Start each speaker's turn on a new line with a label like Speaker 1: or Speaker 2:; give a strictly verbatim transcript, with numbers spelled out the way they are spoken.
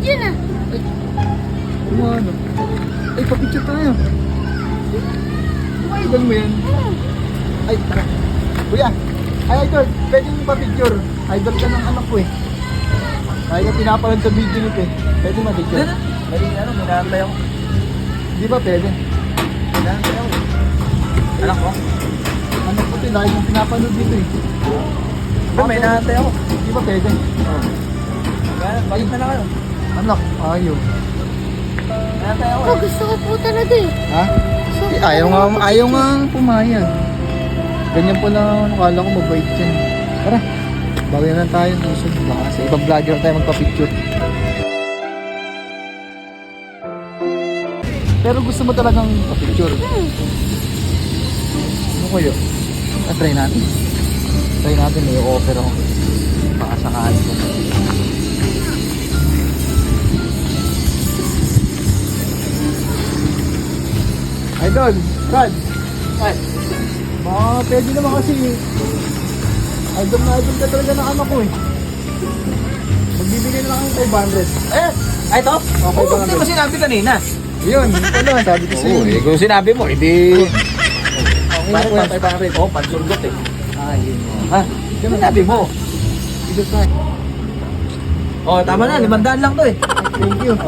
Speaker 1: yun ah.
Speaker 2: Ano ano? Ay, papicture tayo. Kuya, idol mo yan? Ay, tara. Kuya, ay idol, pwede mo pa-picture. Idol ka ng anak ko eh. Kaya ka pinapanood sa video nito eh. Pwede ma-picture?
Speaker 3: Pwede ano, minahantay ako.
Speaker 2: Di ba pwede?
Speaker 3: Minahantay ako. Anak ko?
Speaker 2: Anak ko ito, lagi yung pinapanood dito eh.
Speaker 3: Ba't may nahantay ako?
Speaker 2: Di ba pwede?
Speaker 3: Oo. Kaya, bakit na lang kayo?
Speaker 2: Anak, ayaw.
Speaker 3: Minahantay ako
Speaker 1: Oh,
Speaker 3: eh.
Speaker 1: gusto ko po talaga eh.
Speaker 2: Ha? Eh, ayaw nga, ayaw nga pumayag. Ganyan po lang, akala ko mabait yan. Tara, bago na lang tayo. Susunod baka sa ibang vlogger tayo magpa-picture. Pero gusto mo talagang pa-picture?
Speaker 1: Hmm.
Speaker 2: Ano kayo? Ah, try natin. Try natin, may offer ako. Baka sakali ko. Idol, Brad.
Speaker 3: Ay,
Speaker 2: Baka pwede naman kasi idol na idol ka talaga ng anak ko eh. Magbibigay na lang ng five hundred.
Speaker 3: eh, ay ito?
Speaker 2: Okay,
Speaker 3: Oo,
Speaker 2: baka
Speaker 3: hindi mo sinabi kanina.
Speaker 2: Yun, yun pala. Sabi ko sa'yo.
Speaker 3: Oo, eh, kung sinabi mo, hindi...
Speaker 2: Okay na
Speaker 3: Bakit
Speaker 2: po
Speaker 3: pa
Speaker 2: yan, five hundred.
Speaker 3: Oo, pansurgot eh.
Speaker 2: Ah, yun.
Speaker 3: Ha? Sinabi mo.
Speaker 2: Idol sa
Speaker 3: Oh, tama na, limandaan lang to eh.
Speaker 2: Thank you.